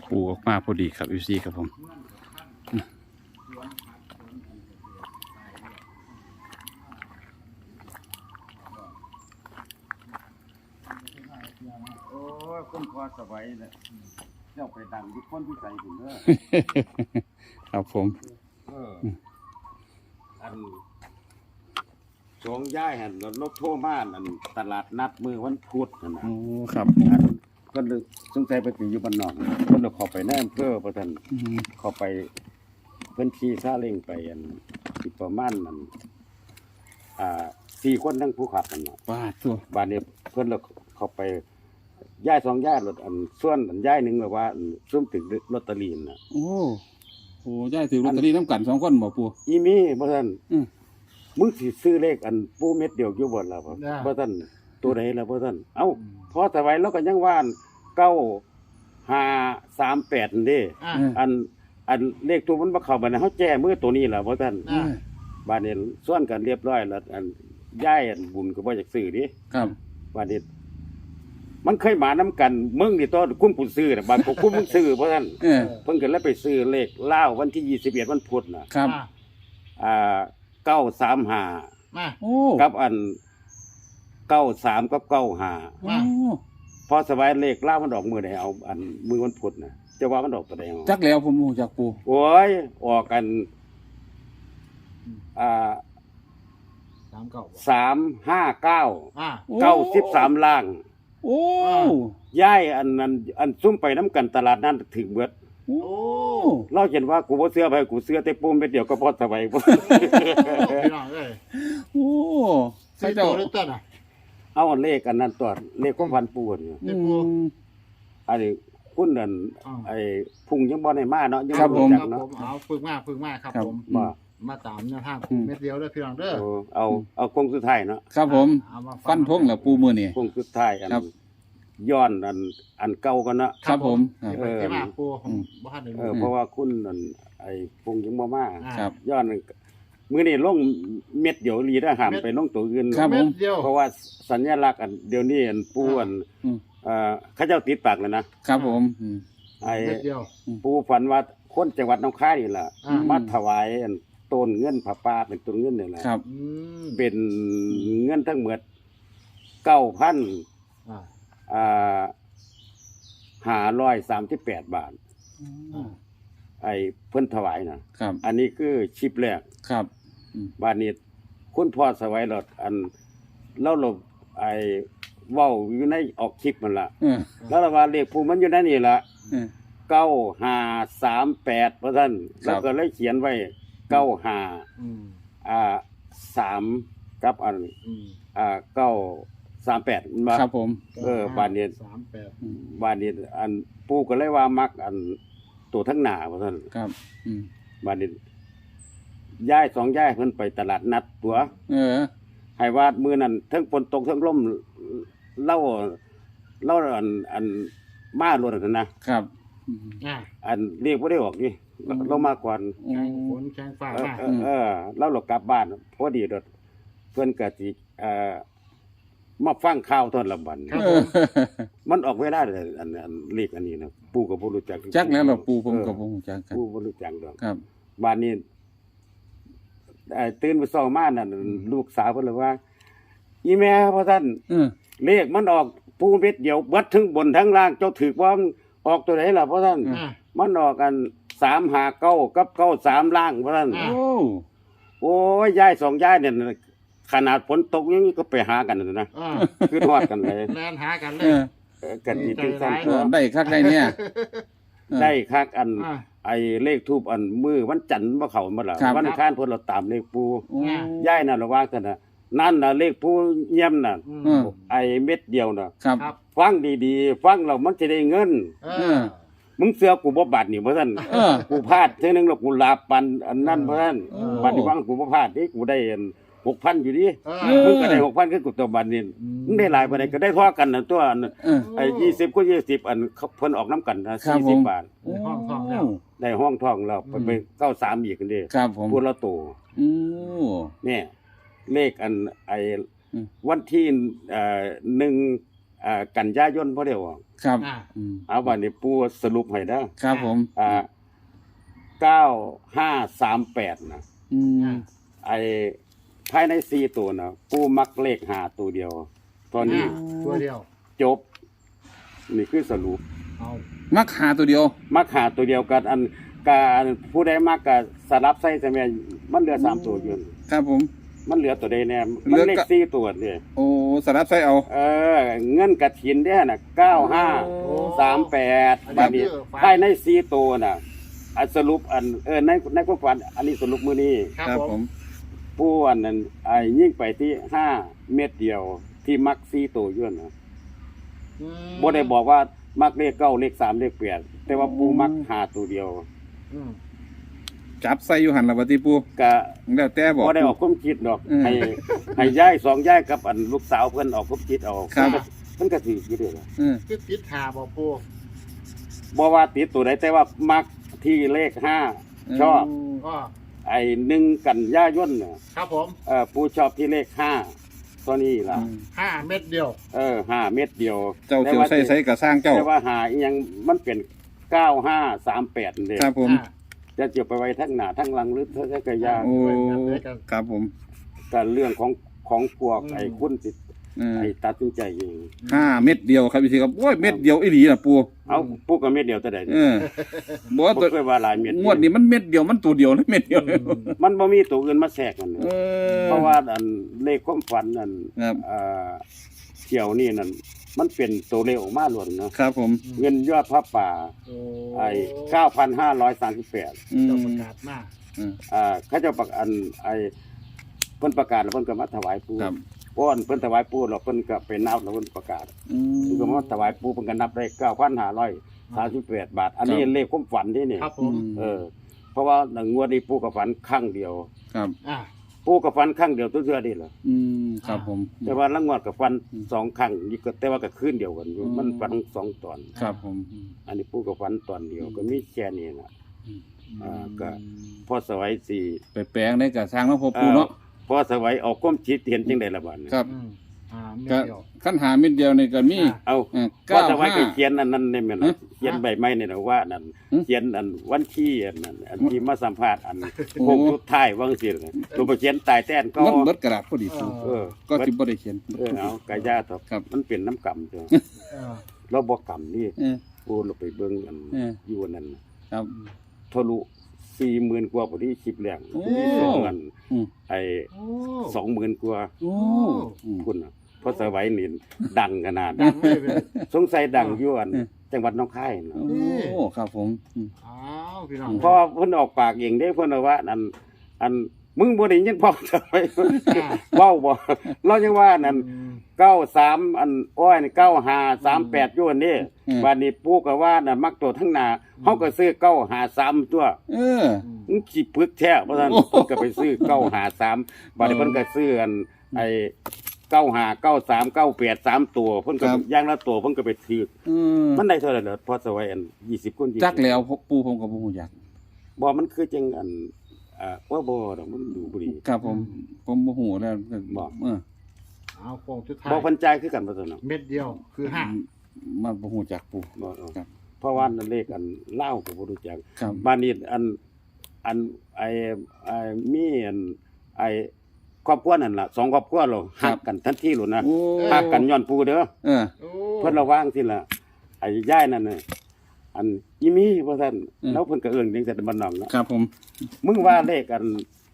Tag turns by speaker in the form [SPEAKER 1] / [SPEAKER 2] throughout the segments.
[SPEAKER 1] ปูออกมาพอดีครับยูซีครับผม
[SPEAKER 2] โอ้ยคนพอสบายเลยเจ้าไปดังทุกคนที่ใส่ถึงเด้อ
[SPEAKER 1] ครับผม
[SPEAKER 2] อันสองย่ายหันรถโทรมาอันตลาดนัดมือวันพุธนั่นนะ
[SPEAKER 1] โอ้ครับ
[SPEAKER 2] อันก็เลยสงสัยไปถึงอยู่บ้านนอกก็เลยขอไปแนมเพื่อประทันขอไปเพิ่นขี่ซาเล้งไปอันสิประมาณนั้น4 คนทั้งผู้ขับกันเนาะ
[SPEAKER 1] ป้าตัว
[SPEAKER 2] บ้านนี้เพิ่นเลยเขาไปย่าย2 ย่ายรถอันส่วนอันย่ายหนึงแบบว่าซุ่มถึงลอตเตอรี่น่ะ
[SPEAKER 1] โอ้โหย่ายถือลอตเตอรี่น้ำกัน2 คนบ่ปู
[SPEAKER 2] อีมีบ่ซั่น
[SPEAKER 1] อืม
[SPEAKER 2] มึงสิซื้อเลขอันปูเม็ดเดียวอยู่บ่ล่ะบ่ซั่นตัวใดล่ะบ่ซั่นเอ้าพอสบายแล้วก็ยังว่า9538นั่นเด้ อันเลขตัวมันบ่เข้าบัดนั้นเฮาแจ้มือตัวนี้ล่ะบ่ซั่นบัดนี้ส่วนกันเรียบร้อยแล้วอันย้ายอันบุญก็บ่อยากซื้อดิ
[SPEAKER 1] ครับ
[SPEAKER 2] บัดนี้มันเคยมานํกันมึงนี่ตัวคุ้มผู้ซื้อน่ะบัดคุ้มมึงซื้อบ่ซั่นเพิ่นก็เลยไปซื้อเลขลาววันที่21วันพุธน่ะ
[SPEAKER 1] ครับ
[SPEAKER 2] 935
[SPEAKER 1] โอ้
[SPEAKER 2] กับอัน93กับ95
[SPEAKER 1] โอ้
[SPEAKER 2] พอสบายเลขลาวมันออกมื้อใดเอาอันมื้อวันพุธน่ะจะว่ามันออกตัวใดเอา
[SPEAKER 1] จักแล้วผมรู้จักปู
[SPEAKER 2] โอ้ยออกกัน359 93ล่าง
[SPEAKER 1] โอ้
[SPEAKER 2] ย้ายอันนั้นอันซุ่มไปน้ำกันตลาดนั้นถึงเบิด
[SPEAKER 1] โอ้
[SPEAKER 2] เราเห็นว่ากูบ่เสื้อไปกูเสื้อแต่ปุ่มเม็ดเดียวก็พอสบายบ่
[SPEAKER 3] พี่น้องเอ้ย
[SPEAKER 1] โอ้
[SPEAKER 3] ใส่
[SPEAKER 1] เจ้า
[SPEAKER 3] ตัวหรือต้นอ่ะ
[SPEAKER 2] เอาอันเลขอันนั้นตัวเลขความพันปูนี่
[SPEAKER 1] อืม
[SPEAKER 2] อันนี้คุณนั่นไอ้พุ่งยังบ่ได้มาเนาะยัง
[SPEAKER 1] ครับผม
[SPEAKER 2] จั
[SPEAKER 3] ค
[SPEAKER 2] ก
[SPEAKER 3] รับ
[SPEAKER 2] เนาะ
[SPEAKER 3] ผมเอาฝึกมากครับ
[SPEAKER 1] ครับ
[SPEAKER 3] ผม
[SPEAKER 2] บ่
[SPEAKER 3] มาตามแนวทางเม็ดเดียวเด้อพี่น้องเด้อ
[SPEAKER 2] เอาคงสุดท้ายเนาะ
[SPEAKER 1] ครับผม
[SPEAKER 3] เอามา
[SPEAKER 1] ฟันธงแล้วปูมื้อนี้
[SPEAKER 2] คงสุดท้ายอัน
[SPEAKER 1] ครับ
[SPEAKER 2] ย้อนอันเก่ากันเนาะ
[SPEAKER 1] ครับผมครับ
[SPEAKER 3] เดี๋ยวไปมาปูผมบ่ทันได้
[SPEAKER 2] เอ
[SPEAKER 3] รู้
[SPEAKER 2] อเพราะว่าคุณนั่นไอ้พุ่งยังบ่มา
[SPEAKER 1] ครับ
[SPEAKER 2] ย้อนมื้อนี้ลงเม็ดเดียวลีได้ห้ามไปลงตัวอื่น
[SPEAKER 1] ครับ
[SPEAKER 3] เม็ดเดียว
[SPEAKER 2] เพราะว่าสัญลักษณ์อันเดี๋ยวนี้อันปูอัน
[SPEAKER 1] อืม
[SPEAKER 2] เขาเจ้าติดปากแล้วนะครับ
[SPEAKER 1] ผม
[SPEAKER 2] ไอ้
[SPEAKER 3] เม็ดเดียว
[SPEAKER 2] ปูฝันว่าคนจังหวัดหนองคายนี่ล่ะ
[SPEAKER 3] อ่า
[SPEAKER 2] มาถวายอันต้นเงินผ้าป่าเป็นต้นเงินนี่แหละ
[SPEAKER 1] ครับ
[SPEAKER 3] อืม
[SPEAKER 2] เป็นเงินทั้งหมด 9,000 538 บาท ไอ้เพิ่นถวายน่ะ
[SPEAKER 1] ครับ
[SPEAKER 2] อันนี้คือชิปแรก
[SPEAKER 1] ครับ
[SPEAKER 2] บาดนี้คุณพ่อสวัยรถอันเล่าลบไอ้เว้าอยู่ในออกคลิปมันล่ะ แล้วว่าเลขปูมันอยู่ในนี่ล่ะ 9538ว่าซั่นแล้วก็เลยเขียนไว้95
[SPEAKER 3] อืม
[SPEAKER 2] 3กับอัน
[SPEAKER 3] อืม
[SPEAKER 2] 938มันว่า
[SPEAKER 1] ครับผม
[SPEAKER 2] บาดนี้
[SPEAKER 3] 38
[SPEAKER 2] บาดนี้อันปูก็เลยว่ามักอันตัวทั้งหน้าว่าซั่น
[SPEAKER 1] ครับ
[SPEAKER 2] บาดนี้ย้าย2ย้ายเพิ่นไปตลาดนัดตัว ให้ว่ามื้อนั้นเทั้งฝนตกเทั้งลมเล่าอันมารถนั่นนะครับ อันเรียกบ่ได้ออกนี่เรามาก่อน
[SPEAKER 3] แข้งฝนแข้งฟ้ามา
[SPEAKER 2] เราหลบกลับบ้านพอดีรถเพิ่นก็สิมาฟังข่าวตอนละบันมันออกเวลาเลยอันเลขอันนี้นะปู่ก็บ่รู้จัก
[SPEAKER 1] จักแล้วเราปูผมกับผมจักกัน
[SPEAKER 2] ปู่บ่รู้จักดอก
[SPEAKER 1] ครับ
[SPEAKER 2] บ้านนี้ตื่นไปซ้อมานั่นลูกสาวเพิ่นเลยว่า อีแม่พ่อท่านเลขมันออกปูเม็ดเดียวเบิดทั้งบนทั้งล่างเจ้าถือว่าออกตัวไหนล่ะพ่อท่านมันออกกัน359กับ93ล่างพ่อท่าน โอ้ยยาย2ยายเนี่ยขนาดฝนตกยังก็ไปหากันนะคือทอดกันเลย
[SPEAKER 3] แล่นหากันเลย
[SPEAKER 2] กันสิจังซั่น
[SPEAKER 1] ได้คักได้เนี่ย
[SPEAKER 2] ได้คักอันไอ้เลขทูปอันมือวันจันทร์บ่เข้ามาล่ะวันอังคารเพิ่นเราตามเลขปูยายน่ะระว่าซั่นน่ะนั่นน่ะเลขปูเยี่ยมน่ะไอ้เม็ดเดียวน่ะ
[SPEAKER 1] ครับ
[SPEAKER 2] ฟังดีๆฟังแล้วมันสิได้เงินมึงเสือกูบ่บาดนี่บ่ซั่นกูพลาดเทื่อนึงแล้วกูลาปันอันนั้นบ่ซั่นบัดนี้ฟังกูบ่พลาดดิกูได้อัน 6,000 อยู่ดิมึงก็ได้ 6,000 คือกูตัวบัดนี้มึงได้หลายบ่ได้ก็ได้พอกันน่ะตัวไอ้20ก็20อันเพิ่นออกนํกันนะ40 บาท
[SPEAKER 3] ห้องทองแล้ว
[SPEAKER 2] ได้ห้องทองแล้วไป93อีกกันเด้
[SPEAKER 1] ครับผม
[SPEAKER 2] พูดละโตเนี่ยเลขอันไอ้วันที่1 กันยายนบ่ได้ออก
[SPEAKER 1] ครับ
[SPEAKER 3] อ่า
[SPEAKER 2] เอาบัดนี้ปู่สรุปให้เด้อ
[SPEAKER 1] ครับผม
[SPEAKER 2] 9538นะ
[SPEAKER 1] อืม
[SPEAKER 2] ไอ้ภายใน4ตัวน่ะปู่มักเลข5ตัวเดียวตอนนี้
[SPEAKER 3] ตัวเดียว
[SPEAKER 2] จบนี่คือสรุป
[SPEAKER 3] เอา
[SPEAKER 1] มักหาตัวเดียว
[SPEAKER 2] มักหาตัวเดียวกันอันการผู้ใดมักก็สลับใส่ใช่ไหมมันเหลือ3ตัวอยู่
[SPEAKER 1] ครับผม
[SPEAKER 2] มันเหลือตัวใดแน่มันเลข4ตัวนี่
[SPEAKER 1] โอ้สลับใส่เอา
[SPEAKER 2] เงินกฐินเด้อน่ะ9538บัดนี้ภายใน4ตัวน่ะอันสรุปอันในความฝันอันนี้สรุปมื้อนี้
[SPEAKER 3] ครับผม
[SPEAKER 2] ผู้อันนั้นยิ่งไปที่5เม็ดเดียวที่มัก4ตัวอยู่น่ะบ่ได้บอกว่ามักเลข9เลข3เลข8แต่ว่าผู้มัก5ตัวเดียว
[SPEAKER 3] อืม
[SPEAKER 1] จับใส่อยู่หันละบัดนี้ปู
[SPEAKER 2] ก็
[SPEAKER 1] แล้วแต่บอก
[SPEAKER 2] บ่ได้ออกความคิดดอก
[SPEAKER 1] อืม
[SPEAKER 2] ให้ย้าย2ย้ายกับอันลูกสาวเพิ่นออกความคิดเอา
[SPEAKER 1] ครับ
[SPEAKER 2] มันก็สิอยู่เด้อล่ะ
[SPEAKER 3] คือติดหาบ่ปู
[SPEAKER 2] บ่ว่าติดตัวใดแต่ว่ามักที่เลข5ชอบ
[SPEAKER 3] ก็
[SPEAKER 2] ไอ้1กันยายนน่ะ
[SPEAKER 3] ครับผม
[SPEAKER 2] ผู้ชอบที่เลข5ตัวนี้ล่ะ
[SPEAKER 3] 5 เม็ดเดียว
[SPEAKER 2] 5เม็ดเดียว
[SPEAKER 1] เจ้าเสียวใส่ใส่กับสร้างเจ้า
[SPEAKER 2] แต่ว่าหาอีหยังมันเป็น9538นี่
[SPEAKER 1] ครับผม
[SPEAKER 2] จะเจียวไปไว้ทั้งหน้าทั้งหลังหรือทั้งกะยา
[SPEAKER 1] โอ้ครับผม
[SPEAKER 2] ก็เรื่องของพวกไอ้คุณสิ ไอ้ตัดสินใจเอง
[SPEAKER 1] 5 เม็ดเดียวครับพี่ครับโอ้ยเม็ดเดียวอีหลีน่ะปู
[SPEAKER 2] เอาปุ๊กก็เม็ดเดียวแต่ใด
[SPEAKER 1] บ่
[SPEAKER 2] บ่
[SPEAKER 1] ตัว
[SPEAKER 2] เคยว่าหลายเม็ด
[SPEAKER 1] งวดนี้มันเม็ดเดียวมันตัวเดียวนะเม็ดเดียว
[SPEAKER 2] มันบ่มีตัวอื่นมาแทรกกัน
[SPEAKER 1] เออ
[SPEAKER 2] เพราะว่าอันเลขความฝันนั่น
[SPEAKER 1] ครับ
[SPEAKER 2] เที่ยวนี่นั่นมันเป็นตัวเลขออกมาล้วนเนาะ
[SPEAKER 1] ครับผม
[SPEAKER 2] เงินยอดพระป่า
[SPEAKER 3] โอ้
[SPEAKER 2] ไอ้9,538
[SPEAKER 1] อืม
[SPEAKER 3] เจ้าประกาศมา
[SPEAKER 2] เขาเจ้าประกาศอันไอ้เพิ่นประกาศแล้วเพิ่นก็มาถวายปู่
[SPEAKER 1] ครับ
[SPEAKER 2] ป้อนเพิ่นถวายปู่แล้วเพิ่นก็ไปนับแล้วเพิ่นประกาศ
[SPEAKER 1] อืม
[SPEAKER 2] เพิ่นก็มาถวายปู่เพิ่นก็นับได้9,538 บาท อันนี้
[SPEAKER 1] ครับ
[SPEAKER 2] เลขความฝันที่นี่
[SPEAKER 3] ครับผม
[SPEAKER 2] เพราะว่าหงวดนี้ปู่ก็ฝันครั้งเดียว
[SPEAKER 1] ครับ
[SPEAKER 3] อ่า
[SPEAKER 2] ปู่ก็ฝันครั้งเดียวตัวเทื่อนี่แหละ
[SPEAKER 1] อืมครับผม
[SPEAKER 2] แต่ว่าละงวดก็ฝัน
[SPEAKER 1] อืม
[SPEAKER 2] 2ครั้งนี่ก็แต่ว่าก็คืนเดียวกันอยู่
[SPEAKER 1] อืม
[SPEAKER 2] มันฝัน2ตอน
[SPEAKER 1] ครับผม
[SPEAKER 2] อันนี้ปู่ก็ฝันตอนเดียวก็มีแค่นี้น่ะ
[SPEAKER 1] อืม
[SPEAKER 2] ก็ พอสวัยสิ
[SPEAKER 1] ไปแปลงได้กับสร้างเนาะพ่อปูเนาะ
[SPEAKER 2] พอสวัยออกความคิดเห็นจังได๋ล่ะบัดนี้
[SPEAKER 1] ครับ
[SPEAKER 3] เม็ด
[SPEAKER 1] ก็
[SPEAKER 3] เดียว
[SPEAKER 1] ขั้นหาเม็ดเดียวนี่ก็มี
[SPEAKER 2] เอา
[SPEAKER 1] เก้า
[SPEAKER 2] ว่าแต่ว่า
[SPEAKER 1] ห้า
[SPEAKER 2] เขียนอันนั้นนี่แม่น
[SPEAKER 1] ฮะ
[SPEAKER 2] เขียนใบไม้นี่นะว่านั่น
[SPEAKER 1] หึ
[SPEAKER 2] เขียนอันวันที่อันนั้นอันที่มาสัมภาษณ์อัน
[SPEAKER 1] โอ้
[SPEAKER 2] โคงสุดท้ายว่าจังซี่น่ะตัวไปเขียนตายแต้นก็
[SPEAKER 1] มันเบิดกระดาษพอดีปู
[SPEAKER 2] เออ
[SPEAKER 1] ก็สิบ่ได้เขียน
[SPEAKER 2] เอากะยาตอบ
[SPEAKER 1] ครับ
[SPEAKER 2] มันเป็นน้ำกำจ้ะ
[SPEAKER 3] เออ
[SPEAKER 2] เราบ่กำนี่
[SPEAKER 1] เออ
[SPEAKER 2] โอ้เราไปเบิ่งอัน
[SPEAKER 1] เออ
[SPEAKER 2] อยู่อันนั้นน่ะ
[SPEAKER 1] ครับ
[SPEAKER 2] ทะลุ 40,000 กว่าพอดีคลิปแรก
[SPEAKER 1] โอ้
[SPEAKER 2] ที่สองอัน
[SPEAKER 1] อืม
[SPEAKER 2] ไอ้
[SPEAKER 3] โอ้
[SPEAKER 2] 20,000 กว่า
[SPEAKER 1] โอ้อืม
[SPEAKER 2] พุ่นน่ะเพราะสวัยนี่ดังขนาด
[SPEAKER 3] ดังเลยเว้ย
[SPEAKER 2] สงสัยดังอยู่อัน
[SPEAKER 1] เออ
[SPEAKER 2] จังหวัดหนองคายน่ะ
[SPEAKER 1] โอ้ครับผมอืม
[SPEAKER 3] อ้าวพี่น้อง
[SPEAKER 2] เพราะว่าเพิ่นออกปากเองเด้เพิ่นว่าอันมึงบ่ได้ยินพ่อทำไมเว้าบ่เรายังว่านั่น93อันอ้อยนี่9538อยู่อันนี้บัดนี้ปู่ก็ว่าน่ะมักตัวทั้งหน้าเฮาก็ซื้อ953ตัว
[SPEAKER 1] เออ
[SPEAKER 2] มึงสิปึกแท้เพราะฉะนั้น
[SPEAKER 1] โอ้
[SPEAKER 2] เพิ่นก็ไปซื้อ953บัดนี้เพิ่นก็ซื้ออันไอ้95 93 98 3ตัวเพิ่นก็
[SPEAKER 1] ครับ
[SPEAKER 2] อย่างละตัวเพิ่นก็ไปถือ
[SPEAKER 1] อืม
[SPEAKER 2] มันได้เท่าไหร่เหรอพอสวัยอัน20คน20
[SPEAKER 1] จักแล้วปูผมก็บ่ฮู้จัก
[SPEAKER 2] บ่มันคือจังอันว่าบ่ดอกมันดูบ่ดี
[SPEAKER 1] ครับผมบ่ฮู้แล้ว
[SPEAKER 2] บ่
[SPEAKER 3] เอาโค้งสุดท้าย
[SPEAKER 2] บ่เพันจ่ายคือกันบ่ซั่นเนาะ
[SPEAKER 3] เม็ดเดียวคือห้า
[SPEAKER 1] มันบ่ฮู้จักปู
[SPEAKER 2] บ่
[SPEAKER 1] ครับ
[SPEAKER 2] เพราะว่าเลขอันลาวก็บ่รู้จัก
[SPEAKER 1] ครับ
[SPEAKER 2] บ้านนี้อันไอ้มีอันไอ้ครอบครัวนั่นล่ะ2ครอบครัวเราฮักกันทันทีโลดนะ
[SPEAKER 1] โอ้
[SPEAKER 2] ฮักกันย้อนปู่เด้อ
[SPEAKER 1] เออ
[SPEAKER 3] โอ้
[SPEAKER 2] เพิ่นระวังสิล่ะไอ้ยายนั่นน่ะอันอีมีว่าซั่น
[SPEAKER 1] อืม
[SPEAKER 2] แล้วเพิ่นก็เอิ้นจังซั่นบ้านนอกเนาะ
[SPEAKER 1] ครับผม
[SPEAKER 2] มึงว่าเลขอัน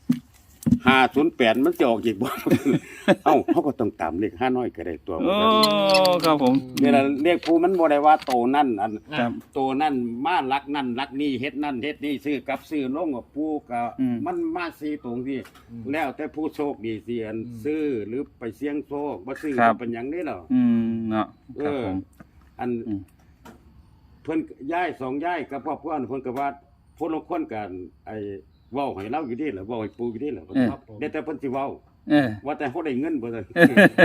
[SPEAKER 2] 508มันจะออกอีกบ่ เอ้าเฮาก็ต้องตามเลข5น้อยก็ได้ตัว
[SPEAKER 1] โอ้ครับผม
[SPEAKER 2] นี่ล่ะเลขผู้มันบ่ได้ว่าโตนั่นอัน
[SPEAKER 1] ครับ
[SPEAKER 2] โตนั่นมารักนั่นรักนี่เฮ็ดนั่นเฮ็ดนี่ซื้อกับซื้อลงกับผู้ก็
[SPEAKER 1] อืม
[SPEAKER 2] มันมาซีตรงที่แล้วแต่ผู้โชคดีสิอันซื้อหรือไปเสี่ยงโชคบ่ซื้อก็เป็นหยังนี่หรอ
[SPEAKER 1] อืมเนาะครับผม
[SPEAKER 2] อัน
[SPEAKER 1] อืม
[SPEAKER 2] เพิ่นย้าย2ย้ายกับครอบครัวเพิ่นก็ว่าคนละคนกันไอ้เว้าให้เราอยู่ดีล่ะเว้าให้ปู่อยู่ดีล่ะได้แต่เพิ่นสิเว้า
[SPEAKER 1] เออ
[SPEAKER 2] ว่าแต่เฮาได้เงินบ่ซั่น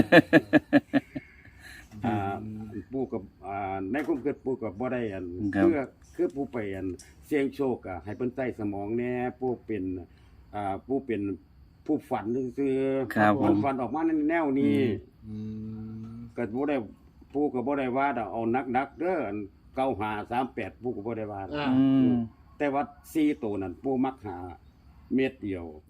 [SPEAKER 2] ปู่กับในความคิดปู่ก็บ่ได้อัน
[SPEAKER 1] ครับ
[SPEAKER 2] คือผู้ไปอันเสี่ยงโชคอะให้เพิ่นใช้สมองแหน่ผู้เป็นผู้เป็นผู้ฝันซื่อๆ
[SPEAKER 1] ครับผม
[SPEAKER 2] ฝันออกมาในแนวนี้
[SPEAKER 3] อืม
[SPEAKER 2] ก็บ่ได้ปู่ก็บ่ได้ว่าดอกเอานักๆเด้ออัน9538ปู่ก็บ่ได้ว่า
[SPEAKER 3] อ่า
[SPEAKER 1] อืม
[SPEAKER 2] แต่ว่า4ตัวนั้นปู่มักหาเม็ดเดียว